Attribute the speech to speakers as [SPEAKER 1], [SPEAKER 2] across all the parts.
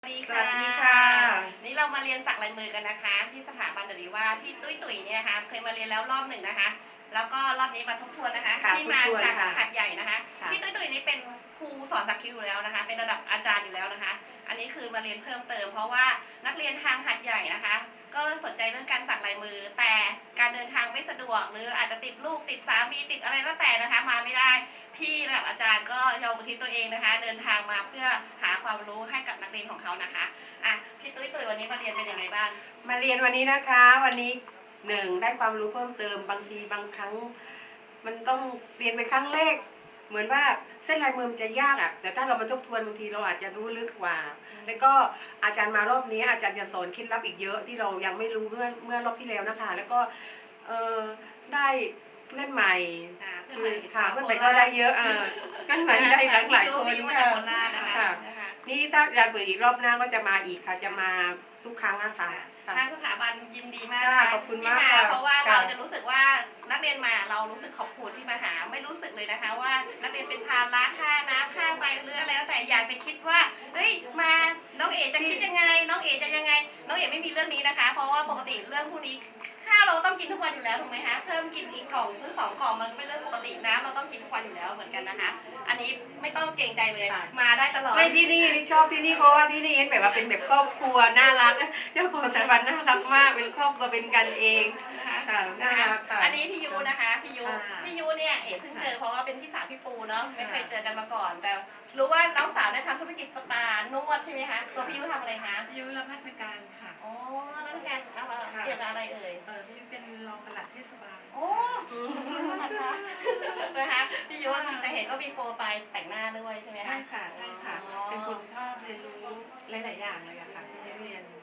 [SPEAKER 1] สวัสดี
[SPEAKER 2] ค่ะ
[SPEAKER 1] นี่เรามาเรียนสักลายมือกันนะคะที่สถาบันดรีว่าพี่ตุ้ยตุ๋ยเนี่ยนะคะเคยมาเรียนแล้วรอบหนึ่งนะคะแล้วก็รอบนี้มาทบทวนนะคะที่มาจากหัดใหญ่นะคะพี่ตุ้ยตุ๋ยนี่เป็นครูสอนสักคิวอยู่แล้วนะคะเป็นระดับอาจารย์อยู่แล้วนะคะอันนี้คือมาเรียนเพิ่มเติมเพราะว่านักเรียนทางหัดใหญ่นะคะก็สนใจเรื่องการสักลายมือแต่การเดินทางไม่สะดวกหรืออาจจะติดลูกติดสามีติดอะไรก็แต่นะคะมาไม่ได้พี่ระดับอาจารย์ก็ยอมอุทิศตัวเองนะคะเดินทางมาเพื่อหาความรู้ให้กับนักเรียนของเขานะคะพี่ตุ้ยวันนี้มาเรียนเป็นยังไงบ้าง
[SPEAKER 2] มาเรียนวันนี้นะคะวันนี้ได้ความรู้เพิ่มเติมบางทีบางครั้งมันต้องเรียนไปครั้งแรกเหมือนว่าเส้นลายมือมันจะยากแต่ถ้าเรามาทบทวนบางทีเราอาจจะรู้ลึกกว่าแล้วก็อาจารย์มารอบนี้อาจารย์จะสอนเคล็ดลับอีกเยอะที่เรายังไม่รู้เมื่อรอบที่แล้วนะคะแล้วก็ได้เพื่อนใหม่เพื่อนใหม่ก็ได้เยอะเพื่อนใหม่ได้หลายคนค่ะนี่ถ้าอยากเปิดอีกรอบหน้าก็จะมาอีกค่ะจะมาทุกครั้งนะคะ
[SPEAKER 1] ทางสถาบันยินดีมาก
[SPEAKER 2] ขอบคุณมาก
[SPEAKER 1] เพราะว่าเราจะรู้สึกว่านักเรียนมาเรารู้สึกขอบคุณที่มาหาไม่รู้สึกเลยนะคะว่านักเรียนเป็นภาระค่าน้ำค่าไฟหรืออะไรแล้วแต่อยากไปคิดว่าเฮ้ยมาน้องเอ๋จะคิดยังไงน้องเอ๋จะยังไงน้องเอ๋ไม่มีเรื่องนี้นะคะเพราะว่าปกติเรื่องพวกนี้ข้าวเราต้องกินทุกวันอยู่แล้วถูกไหมคะเพิ่มกินอีกกล่องซื้อ2 กล่องมันเป็นเรื่องปกติน้ำเราต้องกินทุกวันอยู่แล้วเหมือนกันนะคะอันนี้ไม่ต้องเกรงใจเลยมาได้ตลอด
[SPEAKER 2] ไม่ที่นี่ชอบที่นี่เพราะว่าที่นี่แบบว่าเป็นแบบครอบครัวน่ารักเจ้าของสถาบันน่ารักมากเป็นครอบครัวเป็นกันเองค่ะน่ารักค่ะ
[SPEAKER 1] อันนี้พี่ยูนะคะพี่ยูเนี่ยเอ๋เพิ่งเจอเพราะว่าเป็นพี่สาวพี่ปูเนาะไม่เคยเจอกันมาก่อนแต่รู้ว่าน้องสาวได้ทำธุรกิจสปานวดใช่ไหมคะตัวพี่ยูทำอะไรคะ
[SPEAKER 3] พี่ยุ้ยรับราชการค่ะ
[SPEAKER 1] อ๋อรับราชการเกี่ยวกับอะไรเอ่ย
[SPEAKER 3] พี่ยุ้ยเป็นรองปลัดเทศบาล
[SPEAKER 1] โอ้นะคะพี่ยูแต่เห็นก็มีโปรไฟล์แต่งหน้าด้วยใช่ไหมคะ
[SPEAKER 3] ใช่ค่ะใช่ค่ะเป็นคนชอบเรียนรู้หลายๆอย่างเลยค่ะพี่เรียน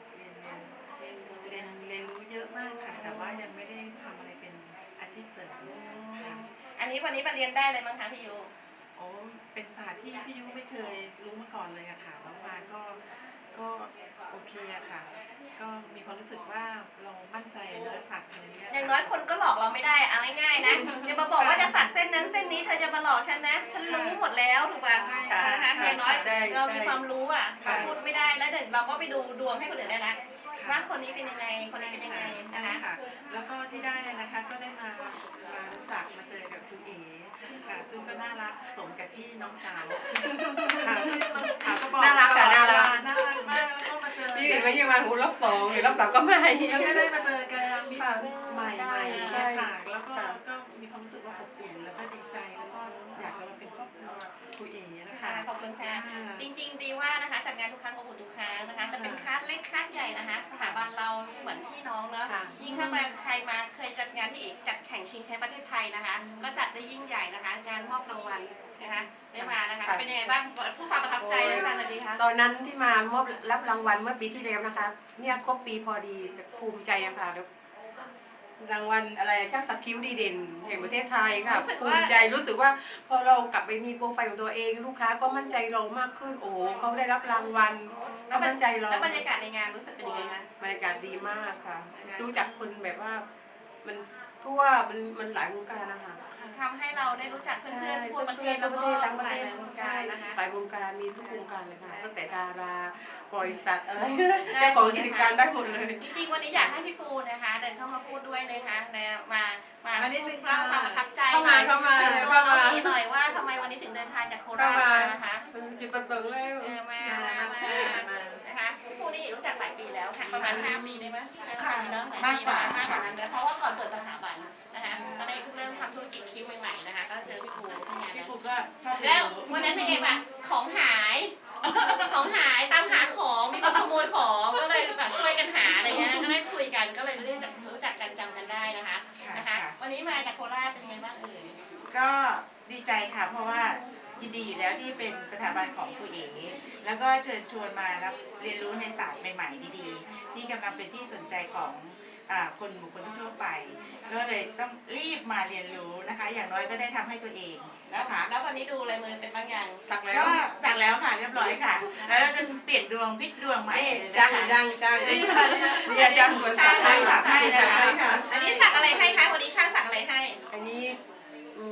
[SPEAKER 3] รู้เยอะมากค่ะแต่ว่ายังไม่ได้ทำอะไรเป็นอาชีพเสริมค่ะ
[SPEAKER 1] อันนี้วันนี้มาเรียนได้เลยมั้งคะพี่ยู
[SPEAKER 3] โอ้เป็นศาสตร์ที่พี่ยุ้ยไม่เคยรู้มาก่อนเลยอะค่ะแล้วมาก็โอเคอะค่ะก็มีความรู้สึกว่าเรามั่นใจในศาสตร์ทางนี้
[SPEAKER 1] อย่างน้อยคนก็หลอกเราไม่ได้เอาง่ายๆนะอย่ามาบอกว่าจะตัดเส้นนั้นเส้นนี้เธอจะมาหลอกฉันนะฉันรู้หมดแล้วถูกป่ะนะคะอย่างน้อยเรามีความรู้อ่ะพูดไม่ได้แล้วเดี๋ยวเราก็ไปดูดวงให้คนอื่นได้ละว่าคนนี้เป็นยังไงคนนี้เป็นยังไง
[SPEAKER 3] นะคะแล้วก็ที่ได้นะคะก็ได้มารู้จักมาเจอกับครูเอ๋ค่ะซึ่งก็น่ารักสมกับที่น้องสาวค่ะที่ก็บอก
[SPEAKER 2] น่ารักค่ะน่ารัก
[SPEAKER 3] มากแล้วก็มาเจอ
[SPEAKER 2] พี่เห็นไหมยังมาหูรอบ2หรือรอบ3ก็ไม่
[SPEAKER 3] แล้วก็ได้มาเจอกันมิตรใหม่ค่ะแล้วก็มีความรู้สึกว่าอบอุ่นแล้วก็ดีใจแล้วก็อยากจะมาเป็นครอบครัวครูเอ๋นะคะ
[SPEAKER 1] ขอบคุณค่ะจริงๆดีว่านะคะจัดงานทุกครั้งอบอุ่นทุกครั้งนะคะจะเป็นคลาสเล็กคลาสใหญ่นะคะสถาบันเราเหมือนพี่น้องเนาะยิ่งถ้ามาใครมาเคยจัดงานที่เอกจัดแข่งชิงแชมป์ประเทศไทยนะคะก็จัดได้ยิ่งใหญ่นะคะงานมอบรางวัลนะคะได้มานะคะเป็นยังไงบ้างผู้ความประทับใจเลยค่ะดีคะ
[SPEAKER 2] ตอนนั้นที่มามอบรับรางวัลเมื่อปีที่แล้วนะคะเนี่ยครบปีพอดีแบบภูมิใจอะค่ะรางวัลอะไรช่างสักคิ้วดีเด่นแห่งประเทศไทยค่ะภูมิใจรู้สึกว่าพอเรากลับไปมีโปรไฟล์ของตัวเองลูกค้าก็มั่นใจเรามากขึ้นโอ้เขาได้รับรางวัลก็มั่นใจเรา
[SPEAKER 1] แล้วบรรยากาศในงานรู้สึกเป็นยังไงคะ
[SPEAKER 2] บรรยากาศดีมากค่ะรู้จักคนแบบว่ามันทั่วมันหลายวงการนะคะ
[SPEAKER 1] ทำให้เราได้รู้จักเพื่อนๆทั่วประเทศ
[SPEAKER 2] แล้วก็
[SPEAKER 1] ทั้งหลายวงการนะคะ
[SPEAKER 2] หลายวงการมีทุกวงการเลยค่ะตั้งแต่ดาราบริษัทอะไรเจ้าของกิจการได้หมดเลย
[SPEAKER 1] จริงๆวันนี้อยากให้พี่ปูนะคะเดินเข้ามาพูดด้วยนะคะมา
[SPEAKER 3] นิดนึง
[SPEAKER 1] เล่าความประทับใจ
[SPEAKER 2] เข้ามา
[SPEAKER 1] ตัวน้องเอ๋หน่อยว่าทำไมวันนี้ถึงเดินทางจากโคราชมานะคะ
[SPEAKER 2] จิตประสงค์แล้ว
[SPEAKER 1] มานะคะปูนี่รู้จักหลายปีแล้วค่ะประมาณ5 ปีได้ไหมค่ะมากกว่านั้นเพราะว่าก่อนเปิดสถาบันนะคะตอนนี้เริ่มทำธุรกิจคิ้วใหม่ๆนะคะก็เจอพี่ปูที่งาน
[SPEAKER 3] พี่ปูก็ชอบ
[SPEAKER 1] แล้ววันนั้นเองแบบของหายตามหาของมีคนขโมยของก็เลยแบบช่วยกันหาอะไรเงี้ยก็ได้คุยกันก็เลยรู้จักกันจำกันได้นะคะวันนี้มาจากโคราชเป็นไงบ้างเอ่ย
[SPEAKER 4] ก็ดีใจค่ะเพราะว่ายินดีอยู่แล้วที่เป็นสถาบันของครูเอ๋แล้วก็เชิญชวนมารับเรียนรู้ในศาสตร์ใหม่ๆดีๆที่กำลังเป็นที่สนใจของบุคคลทั่วไปก็เลยต้องรีบมาเรียนรู้นะคะอย่างน้อยก็ได้ทำให้ตัวเองนะคะ
[SPEAKER 1] แล้ววันนี้ดูลายมือเป็นบางอย่าง
[SPEAKER 4] ก็สักแล้วค่ะเรียบร้อยค่ะแล้วเราจะเปลี่ยนดวงพลิกดวงใหม่
[SPEAKER 2] จ้างนี่อาจารย์คนสัก
[SPEAKER 4] ให้นะคะ
[SPEAKER 1] อันนี้สักอะไรให้คะวันนี้ช่างสักอะไรให้
[SPEAKER 2] อันนี้
[SPEAKER 4] ก็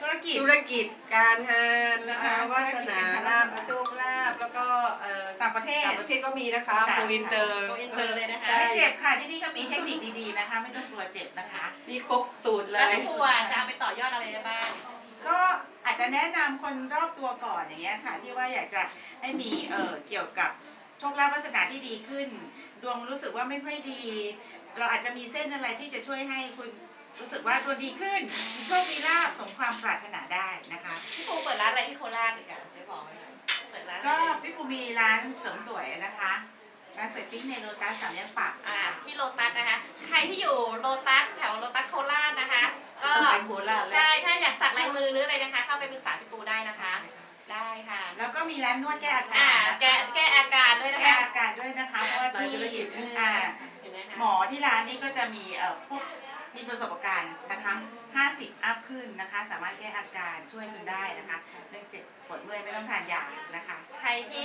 [SPEAKER 4] รกิจ
[SPEAKER 2] ธุรกิจการงาน
[SPEAKER 4] นะคะ
[SPEAKER 2] วาสนา
[SPEAKER 4] ธุรกิจการ
[SPEAKER 2] ลาภ
[SPEAKER 4] วาสนา
[SPEAKER 2] โชคลาภแล้วก็
[SPEAKER 4] ต่างประเทศ
[SPEAKER 2] ต่างประเทศก็มีนะคะ
[SPEAKER 4] ค่ะ
[SPEAKER 2] โกอินเตอร์
[SPEAKER 1] โกอินเตอร์เลยนะคะ
[SPEAKER 2] ใช่
[SPEAKER 4] ไม่เจ็บค่ะที่นี่ก็มีเทคนิคดีๆนะคะ ไม่ต้องกลัวเจ็บนะคะ
[SPEAKER 2] มีครบสูตรเล
[SPEAKER 1] แล้ว
[SPEAKER 2] ย
[SPEAKER 1] พี่ปูจะเอาไปต่อยอดอะไรได้บ้าง
[SPEAKER 4] ก็อาจจะแนะนำคนรอบตัวก่อนอย่างเงี้ยค่ะ ที่ว่าอยากจะให้มีเกี่ยวกับโชคลาภวาสนาที่ดีขึ้น ดวงรู้สึกว่าไม่ค่อยดี เราอาจจะมีเส้นอะไรที่จะช่วยให้คุณรู้สึกว่าดวงดีขึ้นมีโชคมีลาภสมความปรารถนาได้นะคะ
[SPEAKER 1] พี่ปูเปิดร้านอะไรที่โคราชอีกอ่ะจะบอกไหมคะเปิดร้าน
[SPEAKER 4] ก็
[SPEAKER 1] อะไร
[SPEAKER 4] พี่ปูมีร้านเสริมสวยนะคะร้านสวยปิ๊งในโลตัสสามแยกปาก
[SPEAKER 1] ที่โลตัสนะคะ ใครที่อยู่โลตัสแถวโลตัสโคราชนะคะ ก็
[SPEAKER 2] ต้องไปโคราชแล้ว
[SPEAKER 1] ใช่ถ้าอยากสักลายมือหรืออะไรนะคะ เข้าไปปรึกษาพี่ปูได้นะคะ ได้ค่ะ
[SPEAKER 4] แล้วก็มีร้านนวดแก้อา
[SPEAKER 1] อ่าก
[SPEAKER 4] าศนะคะ
[SPEAKER 1] แก้อาการด้วยนะ
[SPEAKER 4] แก้
[SPEAKER 1] คะ
[SPEAKER 4] อาการด้วยนะคะเพราะว่าที่
[SPEAKER 2] ธุรกิจ
[SPEAKER 1] เห็นไหมคะ
[SPEAKER 4] หมอที่ร้านนี้ก็จะมีพวกมีประสบการณ์นะคะ50 อัพขึ้นนะคะ สามารถแก้อาการช่วยคุณได้นะคะเรื่องเจ็บปวดเมื่อยไม่ต้องทานยานะคะ
[SPEAKER 1] ใครที่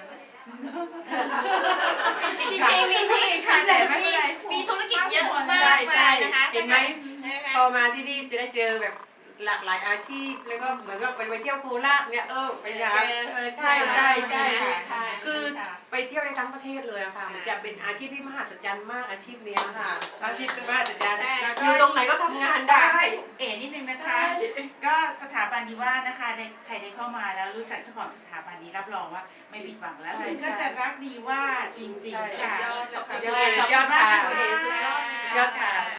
[SPEAKER 4] จริงๆมีธุรกิจค่ะแต่ไม่เป็นไร
[SPEAKER 1] มีธุรกิจเยอะมาก
[SPEAKER 2] ใช่ใช่
[SPEAKER 1] นะคะ
[SPEAKER 2] เห็นไหม
[SPEAKER 1] นะคะ
[SPEAKER 2] พอมาที่นี่จะได้เจอแบบหลากหลายอาชีพ แล้วก็เหมือนกับไปเที่ยวโคราชเนี่ยไปหาใช่ใช่ใช่
[SPEAKER 1] ค่ะ
[SPEAKER 2] คือไปเที่ยวในทั้งประเทศเลยอะค่ะมันจะเป็นอาชีพที่มหัศจรรย์มากอาชีพเนี้ยค่ะ อาชีพที่มหัศจรรย์
[SPEAKER 4] แล้วก็
[SPEAKER 2] อยู่ตรงไหนก็ทำงาน
[SPEAKER 4] ได้
[SPEAKER 2] ได้
[SPEAKER 4] เอ๋นิดนึงนะคะ ก็สถาบันนี้ว่านะคะใครได้เข้ามาแล้วรู้จักเจ้าของสถาบันนี้รับรองว่าไม่ผิดหวังแล้ว
[SPEAKER 2] ใช่
[SPEAKER 4] คุณก็จะรักดีว่าจริงๆค่ะ
[SPEAKER 1] ยอดเลยค่ะ
[SPEAKER 4] ยอด
[SPEAKER 2] ยอดค่ะ
[SPEAKER 4] ขอบคุณมากนะคะ
[SPEAKER 2] ยอดค่ะ